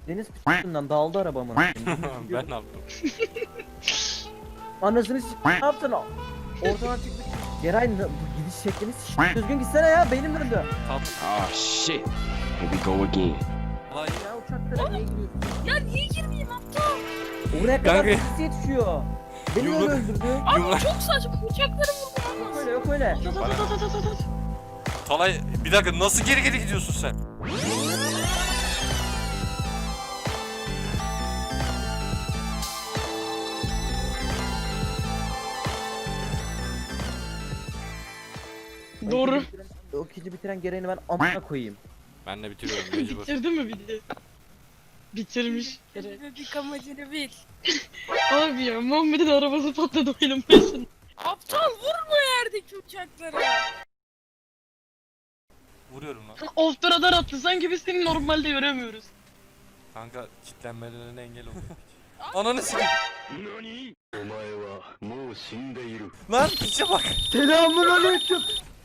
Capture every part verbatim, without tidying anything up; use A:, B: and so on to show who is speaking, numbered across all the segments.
A: Deniz p***'dan dağıldı arabamın.
B: Ben ne yaptım?
A: Anasını s*** ne yaptın o? Ortadan çıkmış. Geray ne- bu gidiş şeklini s*** düzgün gitsene ya, beynim döndü.
C: Oh shit. Here we go again.
B: Vay
A: Ya uçaklara niye giriyorsun?
D: Ya niye girmeyeyim aptal?
A: Oraya kadar
B: Kanka-
A: polisi yetişiyor. Beni
B: Yumruk-
A: öyle öldürdü.
D: Abi
B: Yumruk-
D: çok saçma, uçakları vurdu.
A: Yok öyle yok öyle.
B: Talay bir dakika, nasıl geri geri gidiyorsun sen?
D: Doğru.
A: O ikinci bitiren- O ikinci bitiren Geray'ını ben amına koyayım.
B: Ben de bitiriyorum mecbur.
E: Bitirdi mi bir de? Bitirmiş.
D: Bebek amacını bil.
E: Abi ya Muhammed'in arabası patladı oyunun başında.
D: Aptal vurma yerdeki uçaklara.
B: Vuruyorum lan.
E: Off the radar attı sanki biz seni normalde göremiyoruz.
B: Kanka kitlenmelerine engel oluyor. Ananı sikeyim. Lan piçe bak.
A: Selamun aleyküm.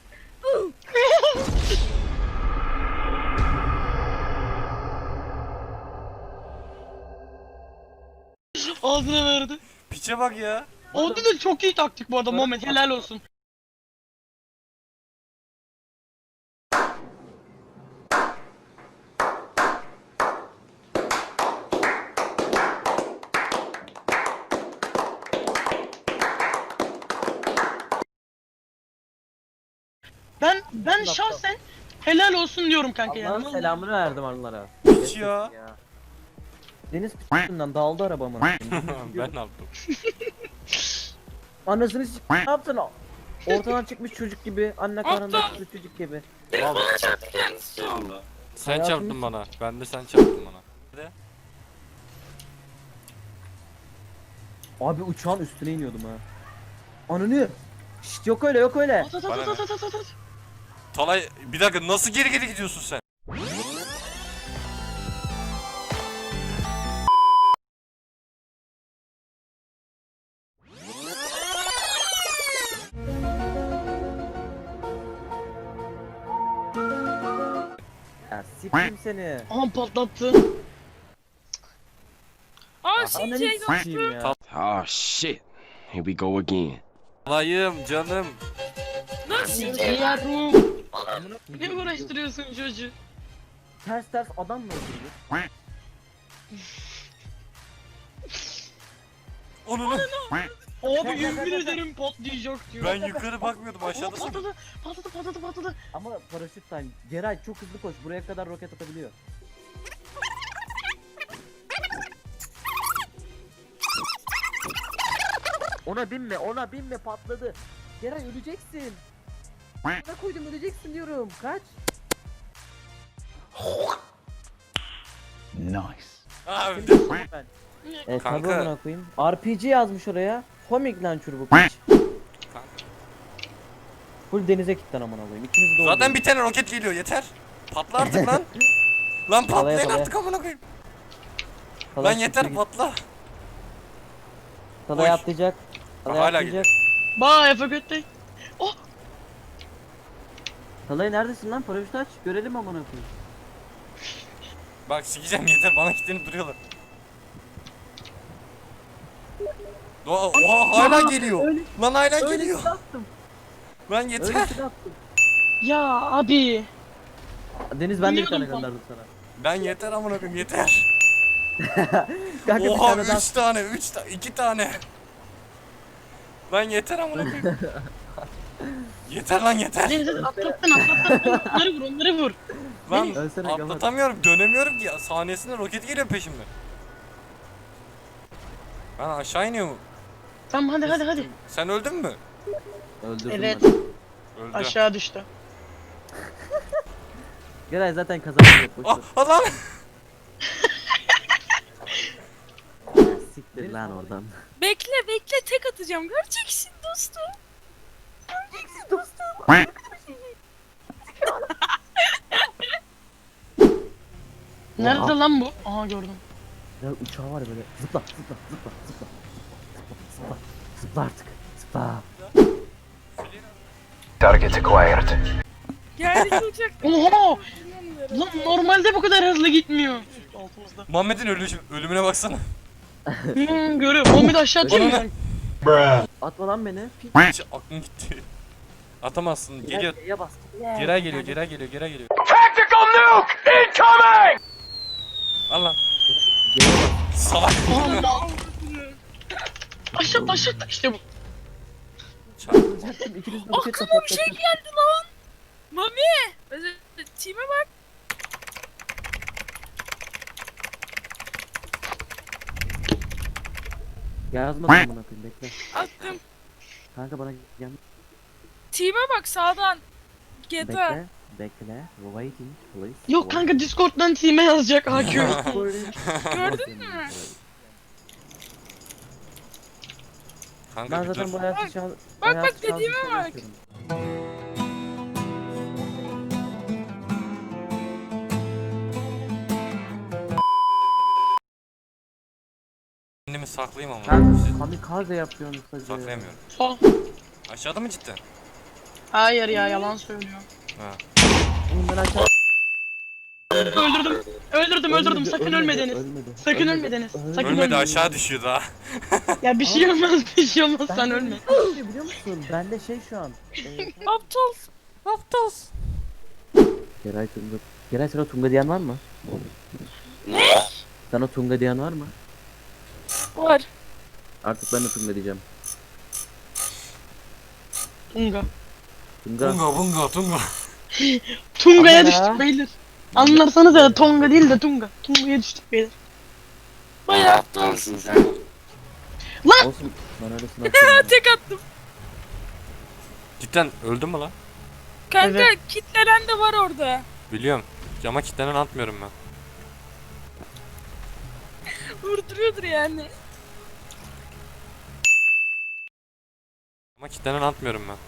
E: Ağzına verdi.
B: Piçe bak ya.
E: Oldu da çok iyi taktik bu arada Muhammed, helal olsun. Ben ben şahsen helal olsun diyorum kanka yani.
A: Allah'ın selamını verdim onlara.
B: Piç ya.
A: Deniz p***'dan dağıldı arabamın.
B: Ben ne yaptım?
A: Anasını s*** ne yaptın o? Ortadan çıkmış çocuk gibi, anne karnında
D: Aptal.
A: çıkmış çocuk gibi.
D: Bana çarptı kendisi.
B: Sen
A: Hayatım-
B: çarptın bana. Ben de sen çarptın bana. Hadi.
A: Abi uçağın üstüne iniyordum ha. Ananı. Şşt yok öyle yok öyle.
E: At at at at at at at at.
B: Talay bir dakika, nasıl geri geri gidiyorsun sen?
A: Ya sikeyim seni.
E: Aha patlattı.
D: Aa
A: Ananı
D: şey
A: sikeyim ya.
C: Oh shit. Here we go again.
B: Talayım canım.
D: nasıl
E: Yavrum. Ne uğraştırıyorsun çocuğu?
A: Ters ters adam mı öldürdü?
B: Onu
E: Abi yemin ederim patlayacak diyor.
B: ben yukarı bakmıyordum,
E: Aa,
B: aşağıdasın.
E: patladı, patladı, patladı, patladı.
A: Ama paraşütten Geray çok hızlı koş, buraya kadar roket atabiliyor. Ona binme, ona binme, patladı. Geray öleceksin. Ne koydum, öleceksin diyorum. Kaç?
B: Abi
A: Ben. E,
B: Kanka.
A: tabii amına koyayım. R P G yazmış oraya. Homing launcher bu piç. Full denize kilitlen amına koyayım. İkiniz de
B: zaten
A: oldu.
B: bir tane roket geliyor, yeter. Patla artık lan. Lan patlayın
A: Talaya,
B: artık amına koyayım.
A: Talay
B: Lan yeter,
A: siktir git.
B: patla.
A: Talay
B: Oy.
A: atlayacak. Talay
B: Hala
A: atlayacak.
E: Bye have a good day.
A: Talay neredesin lan? Paraşütü aç. Görelim amına koyayım.
B: Bak sikeceğim, yeter, bana kilitlenip duruyorlar. Oha, oha hala geliyor.
A: Öyle,
B: Lan hala
A: öyle
B: geliyor.
A: silah attım.
B: Lan
A: Öyle
B: yeter.
A: silah attım.
E: Ya abi.
A: Deniz ben de bir tane
E: Biliyordum
A: gönderdim sana.
B: Ben yeter amına koyayım, yeter.
A: Kanka bir
B: Oha
A: tane daha.
B: üç tane, üç tane, iki tane. Lan yeter amına koyayım. Yeter lan yeter.
E: Deniz atlattın atlattın. Onları vur onları vur.
B: Lan
A: Ölsene Gavat.
B: atlatamıyorum, dönemiyorum ki. Saniyesinde roket geliyor peşimden. Ben aşağı iniyorum.
E: Tamam hadi hadi hadi.
B: Sen öldün mü?
A: Öldürdüm
E: Evet.
A: ben.
B: Öldü.
E: Aşağı düştü.
A: Geray zaten kazanacak. Boş
B: Ah,
A: ver.
B: ah lan.
A: Siktir lan oradan.
D: Bekle bekle, tek atacağım, göreceksin dostum. Göreceksin dostum.
E: Nerede lan bu? Aha gördüm.
A: Ya uçağı var ya böyle. Zıpla zıpla zıpla zıpla. Zıpla zıpla. Zıpla artık. Zıpla.
F: Target acquired.
D: Geldi uçak.
E: Oha! Lan normalde bu kadar hızlı gitmiyor. altımızda.
B: Muhammed'in ölü ölümüne baksana.
E: Hmm, görüyorum. Muhammed aşağı atıyor mu?
B: Bana
A: Atma lan beni. Pik.
B: hiç aklım gitti. Atamazsın. Geliyor.
A: Geriye bas.
B: Geri geliyor, geri geliyor, geri geliyor.
C: Tactical nuke incoming!
B: Al lan.
A: Geriye bas.
B: Salak.
E: Allah. Aşağı aşağı işte bu.
B: Çarp.
A: Olacaktım, ikiniz de roket
D: Aklıma bir şey
A: patlatın.
D: geldi lan. Mami. Mesela Team'e bak.
A: Yazmadım amına koyayım, bekle.
D: Attım.
A: Kanka bana gel.
D: Team'e bak sağdan. G T A.
A: Bekle. Bekle. Waiting please.
E: Yok kanka Discord'dan team'e yazacak A Q.
D: Gördün mü?
B: Kanka
A: Ben
B: bir
A: zaten
B: dur.
A: bu hayatı şu an...
D: bak,
A: hayatı şu an
D: dediğime
A: cidden
D: bak.
A: yaşıyorum.
B: Kendimi saklayayım ama.
A: Kanka
B: Siz-
A: kamikaze yapıyorsun sadece.
B: Saklayamıyorum.
E: Sol.
B: Aşağıda mı cidden?
E: Hayır ya yalan söylüyor.
B: Ha.
A: Oğlum ben aşağı...
E: Öldürdüm. Öldürdüm öldürdüm. Sakın ölme Deniz.
A: Ölmedi.
E: Sakın ölme Deniz. Sakın
B: Ölmedi
E: ölme.
B: aşağı düşüyor daha.
E: Ya bir şey olmaz bir şey olmaz sen
A: Ben-
E: ölme.
A: Ne şey biliyor musun? Bende şey şu an. Ee,
D: Aptal. Aptal.
A: Geray Tunga. Geray sana Tunga diyen var mı? Ne? Sana Tunga diyen var mı?
D: Var.
A: Artık ben de Tunga diyeceğim.
E: Tunga.
A: Tunga.
B: Tunga bunga tunga.
E: Tunga'ya
A: Ama-
E: düştük beyler. Anlarsanız ya Tonga değil de Tunga. Tunga'ya düştük beyler.
D: Bayağı aptalsın sen.
A: Olsun. Ben öyle sınav
D: Tek attım.
B: Cidden öldün mü lan?
D: Kanka
E: Evet.
D: kitlenen de var orada.
B: Biliyorum. Cama kilitlenen atmıyorum ben.
D: Vurduruyordur yani.
B: Cama kilitlenen atmıyorum ben.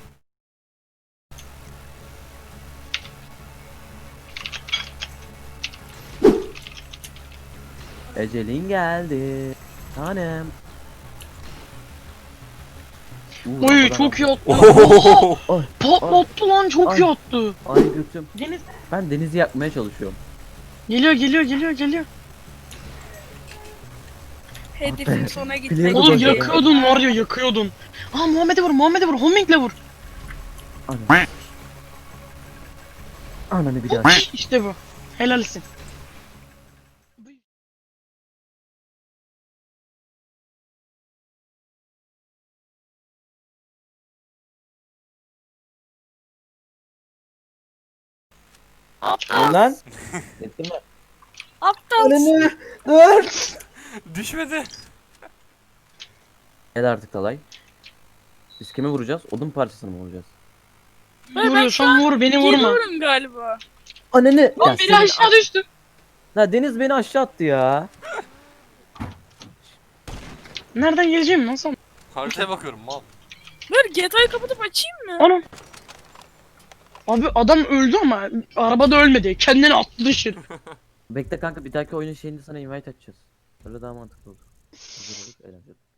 A: Ecelin geldi. Tanem. Uuu,
E: Oy
A: arkadan
E: çok iyi
A: aldım.
E: attı. Oha!
A: Ay,
E: Patlattı lan çok
A: Ay.
E: iyi attı.
A: ay götüm.
E: Deniz.
A: Ben denizi yakmaya çalışıyorum.
E: Geliyor geliyor geliyor geliyor.
D: Hedefin sona gitmek.
A: Biliyorum.
E: Oğlum
A: Bakıyor.
E: yakıyordun var ya yakıyordun. Aa Muhammed'e vur Muhammed'e vur Homing'le vur.
A: Ananı. Ananı bir daha.
E: İşte bu. Helalsin.
A: Dur lan. Ettin mi?
D: Aptal.
A: Dur.
B: Düşmedi.
A: Gel artık Talay. Biz kime vuracağız? Odun parçasını mı vuracağız?
D: Ben
E: Vuruyorsan vur beni vurma.
D: Geliyorum galiba.
A: Ananı. Ya
E: Lan biri
A: senin-
E: aşağı düştü.
A: La Deniz beni aşağı attı ya.
E: Nereden geleceğim lan sen?
B: Haritaya bakıyorum mal.
D: Ver G T A'yı kapatıp açayım mı?
E: Anam. Abi adam öldü ama arabada ölmedi. Kendini attı dışarı.
A: Bekle kanka bir dahaki oyunun şeyinde sana invite açacağız. Öyle daha mantıklı olur. Hazır olduk, eğlenceli.